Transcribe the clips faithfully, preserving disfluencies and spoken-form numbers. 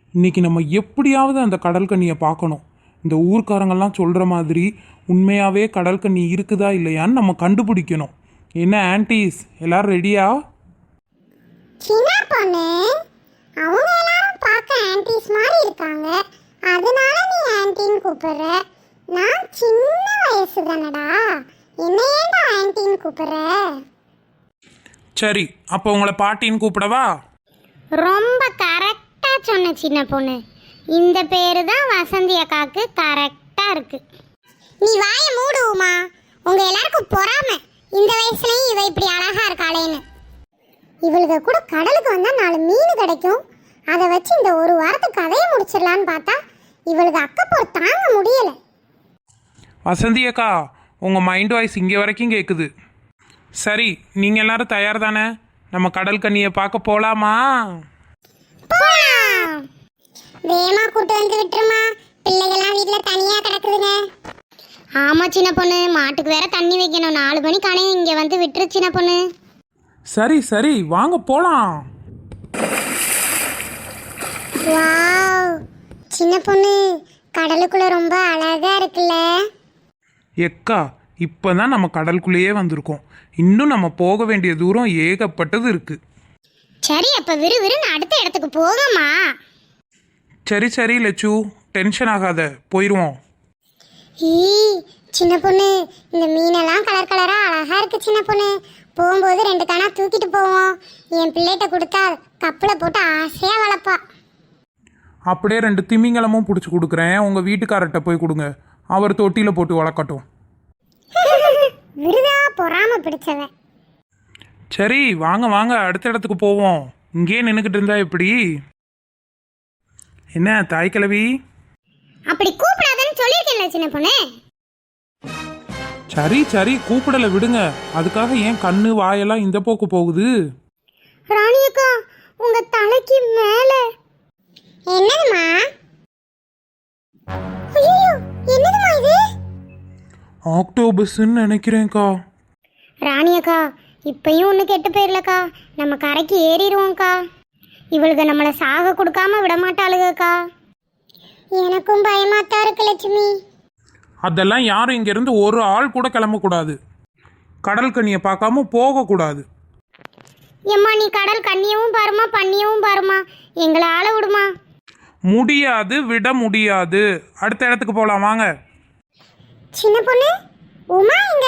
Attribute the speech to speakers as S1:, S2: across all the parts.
S1: இன்னைக்கு நம்ம எப்படியாவது அந்த கடல் கண்ணியை பார்க்கணும். இந்த ஊர்க்காரங்கெல்லாம் சொல்கிற மாதிரி உண்மையாகவே கடல் கண்ணி இருக்குதா இல்லையான்னு நம்ம கண்டுபிடிக்கணும். என்ன ஆன்டீஸ், எல்லாரும் ரெடியா?
S2: சின்ன பொண்ணு, அவங்க எல்லாரும் பார்க்க ஆன்டீஸ் மாதிரி இருக்காங்க, அதனால நீ ஆன்டின்னு கூப்பிடுற. நான் சின்ன வயசு தானடா, என்ன ஏன்டா ஆன்டின்னு கூப்பிடுற?
S1: சரி, அப்போ உங்களை பாட்டின்னு கூப்பிடவா?
S3: ரொம்ப கரெக்டா சொன்ன சின்ன பொண்ணு. இந்த பேரு தான் வசந்தி அக்காக்கு கரெக்டா இருக்கு.
S2: நீ வாய மூடுவோமா, உங்க எல்லாருக்கும் பொறாம. இந்த வயசுலயும் இவ இப்படி அழகா இருக்காளேன்னு. இவளுக்கு கூட கடலுக்கு வந்தா நாலு மீன் கிடைக்கும், அதை வச்சு இந்த ஒரு வாரத்துக்கு கதையை முடிச்சிடலான்னு பார்த்தா இவளுக்கு அக்கப்போர் தாங்க முடியல.
S1: வசந்தி அக்கா, உங்கள் மைண்ட் வாய்ஸ் இங்கே வரைக்கும் கேட்குது. சரி, நீங்கள் எல்லாரும் தயார் தானே? நம்ம கடல் கண்ணியை பார்க்க போகலாமா?
S2: வேமா கூட்டு வந்து விட்டுருமா, பிள்ளைகள்லாம் வீட்டில் தனியாக கிடக்குதுங்க.
S3: ஆமா சின்ன பொண்ணு, மாட்டுக்கு வேற தண்ணி வைக்கணும். நாலு மணி கணையும் இங்க வந்து விட்டுரு சின்ன பொண்ணு.
S1: சரி சரி, வாங்க போகலாம்.
S2: வாவ், சின்ன பொண்ணு, கடலுக்குள்ள ரொம்ப அழகா இருக்குல்ல?
S1: எக்கா, இப்போ தான் நம்ம கடலுக்குள்ளேயே வந்திருக்கோம். இன்னும் நம்ம போக வேண்டிய தூரம் ஏகப்பட்டது இருக்கு.
S3: சரி, அப்ப விறுவிறுன்னு அடுத்த இடத்துக்கு போகமா.
S1: சரி சரி லட்சு, டென்ஷன் ஆகாத, போயிடுவோம்.
S2: ஈ சின்ன பொண்ணு, இந்த மீனெல்லாம் கலர் கலரா அழகா இருக்கு சின்ன பொண்ணு. போகும்போது ரெண்டு தானா தூக்கிட்டு போவோம். என் பிள்ளைகிட்ட கொடுத்தா கப்பில் போட்டு ஆசையா வளர்ப்பா.
S1: அப்படியே ரெண்டு திமிங்கலமும் பிடிச்சி கொடுக்குறேன், உங்கள் வீட்டுக்காரர்கிட்ட போய் கொடுங்க, அவர் தொட்டியில் போட்டு வளர்க்கட்டும்.
S2: விருதா பொறாம பிடிச்சவன்.
S1: சரி வாங்க வாங்க, அடுத்த இடத்துக்கு போவோம். இங்கேயே நின்றுக்கிட்டு இருந்தா எப்படி? என்ன தாய் கிழவி?
S3: அப்படி கூப்பிடாதன்னு சொல்லியிருக்கேன்ல சின்ன பொண்ணு.
S1: சரி சரி, கூப்பிடல விடுங்க. அதுக்காக ஏன் கண்ணு வாயெல்லாம் இந்த போக்கு போகுது?
S3: ராணி அக்கா, உங்க தலைக்கு மேல
S2: என்னதுமா? ஐயோ, என்னதுமா இது?
S1: ஆக்டோபஸ்ன்னு நினைக்கிறேன்க்கா.
S3: ராணி அக்கா, இப்பயும் ஒன்று கெட்டு போயிடலக்கா. நம்ம கரைக்கு ஏறிடுவோம்க்கா. இவளுக்கு நம்மளை சாக கொடுக்காம விட மாட்டாளுகக்கா.
S2: எனக்கும் பயமாத்தான் இருக்கு லட்சுமி.
S1: அதெல்லாம் யாரும் இங்கேருந்து ஒரு ஆள் கூட கிளம்பக்கூடாது. கடல் கண்ணியை பார்க்காம போகக்கூடாது.
S3: எம்மா, நீ கடல் கண்ணியவும் பாருமா, பண்ணியவும் பாருமா, எங்களை ஆள விடுமா.
S1: முடியாது, விட முடியாது. அடுத்த இடத்துக்கு போகலாம் வாங்க.
S2: சின்ன பொண்ணு, உமா எங்க?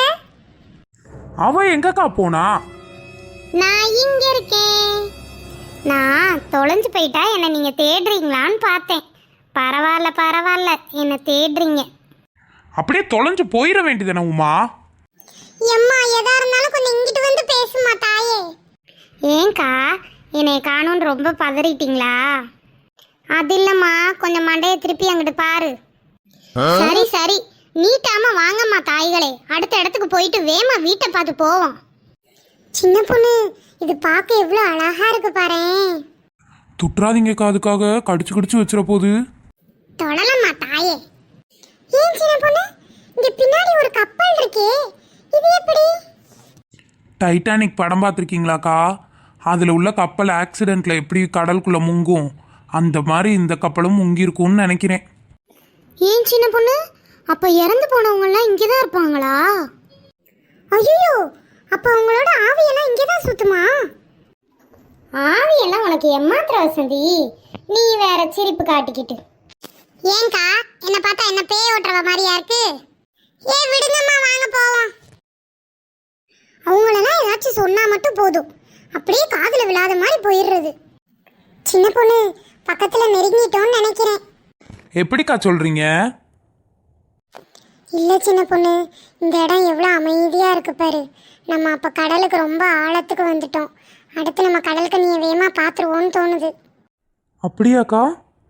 S1: அவ எங்கக்கா போனா?
S3: நான் இங்க இருக்கேன். நான் தொலைஞ்சு போயிட்டா என்னை நீங்க தேடுறீங்களான்னு பார்த்தேன். பரவாயில்ல பரவாயில்ல, என்னை தேடுறீங்க.
S1: அப்படியே தொலைஞ்சு போயிட வேண்டியதுன உமா.
S2: எம்மா, எதா இருந்தாலும் கொஞ்சம் இங்கிட்டு வந்து பேசுமா தாயே.
S3: ஏங்கா, என்னை காணும்னு ரொம்ப பதறிட்டீங்களா? அது இல்லம்மா, கொஞ்சம் மண்டையை திருப்பி அங்கிட்டு பாரு. சரி சரி, நீட்டாம வாங்கம்மா தாய்களே, அடுத்த இடத்துக்கு போயிட்டு வேமா வீட்டை பார்த்து போவோம்.
S2: சின்ன பொண்ணு, இது பார்க்க எவ்வளோ அழகா இருக்கு பாரேன்.
S1: துட்டுறாதீங்கக்கா, அதுக்காக கடிச்சு கடிச்சு வச்சிட போகுது.
S2: தொடலம்மா தாயே. ஏன் சின்ன பொண்ணு, இங்க பின்னாடி ஒரு கப்பல் இருக்கே, இது எப்படி?
S1: டைட்டானிக் படம் பார்த்துருக்கீங்களாக்கா? அதில் உள்ள கப்பல் ஆக்சிடெண்ட்ல எப்படி கடலுக்குள்ள முங்கும், அந்த மாதிரி இந்த கப்பலும் முங்கியிருக்கும்னு நினைக்கிறேன்.
S3: ஏன் சின்ன பொண்ணு, அப்ப இறந்து போனவங்கலாம் இங்கதான் இருப்பாங்களா?
S2: ஐயோ, அப்ப உங்களோட ஆவியெல்லாம் இங்கதான் சுத்துமா?
S3: ஆவியெல்லாம் உனக்கு எம்மாத்திர வசந்தி, நீ வேற சிரிப்பு காட்டிக்கிட்டு.
S2: ஏங்கா, என்ன பார்த்தா என்ன பேய் ஓட்டுறவ மாதிரியா இருக்கு? ஏ விடுங்கம்மா, வாங்க போவோம். அவங்களெல்லாம் ஏதாச்சும் சொன்னா மட்டும் போதும், அப்படியே காதுல விழாத மாதிரி போயிடுறது. சின்ன பொண்ணு, பக்கத்துல நெருங்கிட்டோன்னு நினைக்கிறேன்.
S1: எப்படிக்கா சொல்றீங்க?
S2: இல்லை சின்ன பொண்ணு, இந்த இடம் எவ்வளோ அமைதியாக இருக்கு பாரு. நம்ம அப்போ கடலுக்கு ரொம்ப ஆழத்துக்கு வந்துட்டோம். அடுத்து நம்ம கடல் கண்ணியை வேகமாக பார்த்துருவோன்னு தோணுது.
S1: அப்படியாக்கா?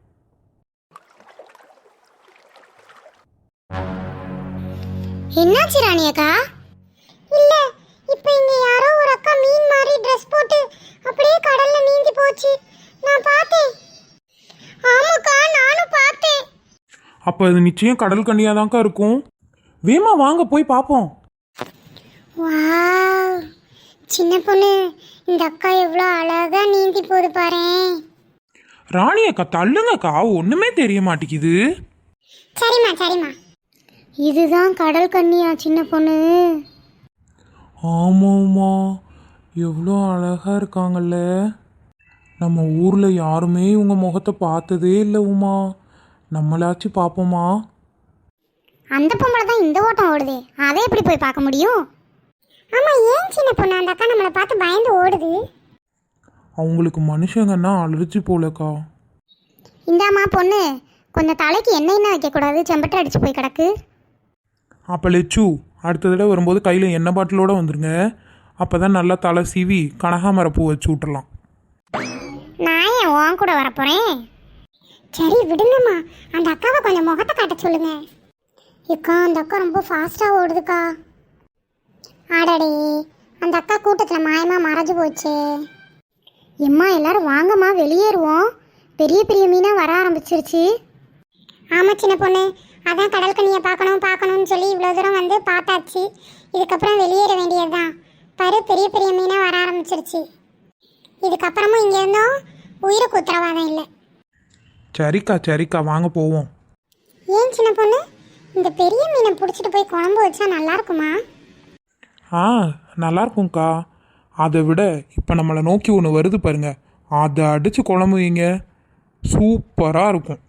S3: என்னாச்சு ராணி அக்கா?
S2: இல்லை, இப்போ இங்கே யாரோ ஒரு அக்கா மீன் மாதிரி ட்ரெஸ் போட்டு அப்படியே கடலில் நீந்தி போச்சு. நான் பார்த்தேன். ஆமாக்கா, நானும் பார்த்தேன்.
S1: அப்போ அது நிச்சயம் கடல் கண்ணியாக தான்க்கா இருக்கும். வேமா வாங்க போய் பார்ப்போம்.
S2: வாவ், சின்ன பொண்ணு, இந்த அக்கா எவ்வளோ அழகாக நீந்தி போகுது பாரேன்.
S1: ராணி அக்கா தள்ளுங்கக்கா, ஒன்றுமே தெரிய மாட்டேங்குது.
S2: சரிம்மா சரிம்மா.
S3: இதுதான் கடல் கன்னியா சின்ன பொண்ணு?
S1: ஆமாம்மா, எவ்வளோ அழகா இருக்காங்கல்ல. நம்ம ஊரில் யாருமே இவங்க முகத்தை பார்த்ததே இல்லை உமா. நம்மளாச்சும் பார்ப்போமா?
S3: அந்த பொம்பளை தான் இந்த ஓட்டம் ஓடுதே, அதை எப்படி போய் பார்க்க முடியும்?
S2: ஆமா, ஏன் சின்ன பொண்ணு அந்த அக்கா நம்மளை பார்த்து பயந்து ஓடுது?
S1: அவங்களுக்கு மனுஷங்கன்னா அலர்ஜி போலக்கா.
S3: இந்தாம்மா பொண்ணு, கொஞ்சம் தலைக்கு எண்ணெய் என்ன வைக்கக்கூடாது, செம்பட்டை அடிச்சு போய் கிடக்கு.
S1: அப்போ லெச்சு, அடுத்த தடவை வரும்போது கையில் எண்ணெய் பாட்டிலோடு வந்துருங்க. அப்போ தான் நல்லா தலை சீவி கனகாமர பூ வச்சு விட்டுறலாம்.
S3: நான் ஏன் உன் கூட வரப்போகிறேன்?
S2: சரி விடுங்கம்மா, அந்த அக்காவை கொஞ்சம் முகத்தை காட்ட சொல்லுங்க. ஏக்கா அந்த அக்கா ரொம்ப ஃபாஸ்ட்டாக ஓடுதுக்கா. ஆடாடே, அந்த அக்கா கூட்டத்தில் மாயமாக மறைஞ்சு போச்சு.
S3: எம்மா எல்லாரும் வாங்கம்மா வெளியேறுவோம், பெரிய பெரிய மீனாக வர ஆரம்பிச்சிருச்சு.
S2: ஆமாம் சின்ன பொண்ணு, அதான் கடல் கண்ணியை பார்க்கணும் பார்க்கணும்னு சொல்லி இவ்வளோ தூரம் வந்து பார்த்தாச்சு. இதுக்கப்புறம் வெளியேற வேண்டியது தான். பரு பெரிய பெரிய மீனாக வர ஆரம்பிச்சிருச்சு. இதுக்கப்புறமும் இங்கே இருந்தோம் உயிருக்கு உத்தரவாதம் இல்லை.
S1: சரிக்கா சரிக்கா, வாங்க போவோம்.
S2: ஏன் சின்ன பொண்ணு, இந்த பெரிய மீனை பிடிச்சிட்டு போய் குழம்பு வச்சா நல்லா இருக்குமா?
S1: ஆ, நல்லா இருக்கும்க்கா. அதை விட இப்போ நம்மளை நோக்கி ஒன்று வருது பாருங்க, அதை அடித்து குழம்பு வைங்க, சூப்பராக இருக்கும்.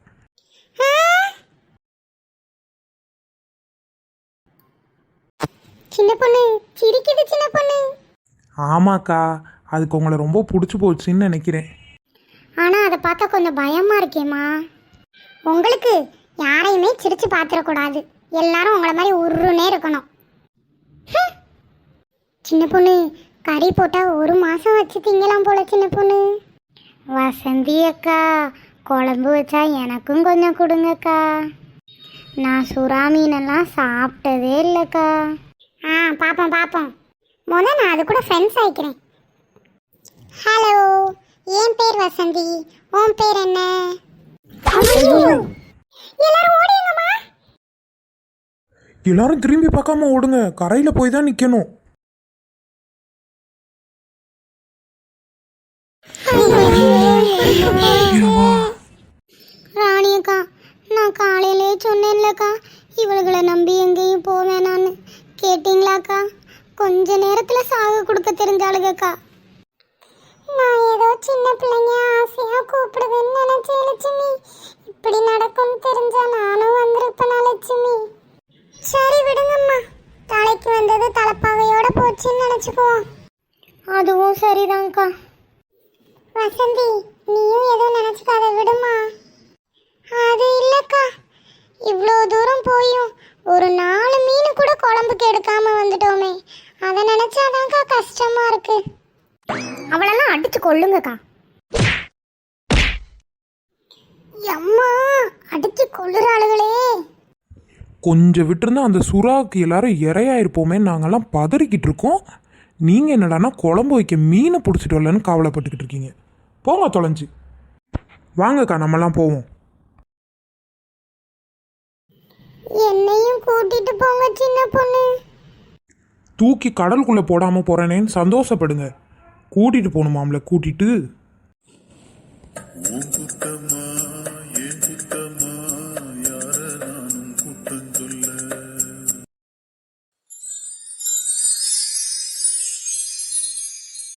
S2: சின்ன பொண்ணு சிரிக்குது சின்ன பொண்ணு.
S1: ஆமாக்கா, அதுக்கு உங்களை ரொம்ப பிடிச்சி போச்சுன்னு நினைக்கிறேன்.
S3: ஆனால் அதை பார்த்தா கொஞ்சம் பயமாக இருக்கேம்மா.
S2: உங்களுக்கு யாரையுமே சிரிச்சு பார்த்துடக்கூடாது, எல்லாரும் உங்களை மாதிரி உருன்னே இருக்கணும். ஹம். சின்ன பொண்ணு, கறி போட்டால் ஒரு மாதம் வச்சு திங்கலாம் போல சின்ன பொண்ணு.
S3: வசந்தி அக்கா, குழம்பு வச்சா எனக்கும் கொஞ்சம் கொடுங்கக்கா. நான் சுறா மீனெல்லாம் சாப்பிட்டதே இல்லைக்கா.
S2: ஆ பார்ப்போம் பார்ப்போம். முதல்ல நான் அது கூட ஃப்ரெண்ட்ஸ் ஆகிக்கிறேன். ஹலோ, என் பேர் வசந்தி, உன் பேர் என்ன? எல்லாரும் ஓடிங்கம்மா.
S1: எல்லாரும் திரும்பி பார்க்காம ஓடுங்க, கரையில் போய் தான் நிற்கணும்.
S3: ராணி அக்கா, நான் காலையிலே சொன்னேன்லக்கா இவளுகளை நம்பி எங்கேயும் போவேனான்னு. கேட்டிங்களாக்கா? கொஞ்ச நேரத்தில் சாக கொடுக்க தெரிஞ்சாளுகக்கா.
S2: நான் ஏதோ சின்ன பிள்ளைங்க ஆசையா கூப்பிடுவேன்னு நினைச்சேன் லட்சுமி. இப்படி நடக்கும்னு தெரிஞ்சா நானும் வந்திருப்பேனா லட்சுமி. சரி விடுங்கம்மா, தலைக்கு வந்தது தலைப்பாகையோட போச்சுன்னு நினைச்சுக்குவோம்.
S3: அதுவும் சரிதான்க்கா.
S2: வசந்தி, நீயும் எதுவும் நினைச்சுக்காத, விடுமா. அது இல்லக்கா, இவ்வளோ தூரம் போயும் ஒரு நாலு மீன் கூட குழம்புக்கு எடுக்காம வந்துட்டோமே, அதை நினைச்சாதான்க்கா கஷ்டமா இருக்கு.
S3: அவளெல்லாம் அடிச்சு கொள்ளுங்கக்கா.
S2: அம்மா, அடிச்சு கொள்ளுறாளுகளே.
S1: கொஞ்சம் விட்டுருந்தா அந்த சுறாவுக்கு எல்லாரும் இரையாயிருப்போமே, நாங்கள்லாம் பதறிக்கிட்டு இருக்கோம். நீங்கள் என்னடானா குழம்பு வைக்க மீனை பிடிச்சிட்டு வரலன்னு கவலைப்பட்டுக்கிட்டு இருக்கீங்க. போங்க தொலைஞ்சி. வாங்கக்கா, நம்மலாம் போவோம்.
S2: என்னையும் கூட்டிட்டு போங்க சின்ன பொண்ணு.
S1: தூக்கி கடலுக்குள்ளே போடாமல் போகிறேனேன்னு சந்தோஷப்படுங்க. கூட்டிகிட்டு போகணுமாம்ல, கூட்டிகிட்டு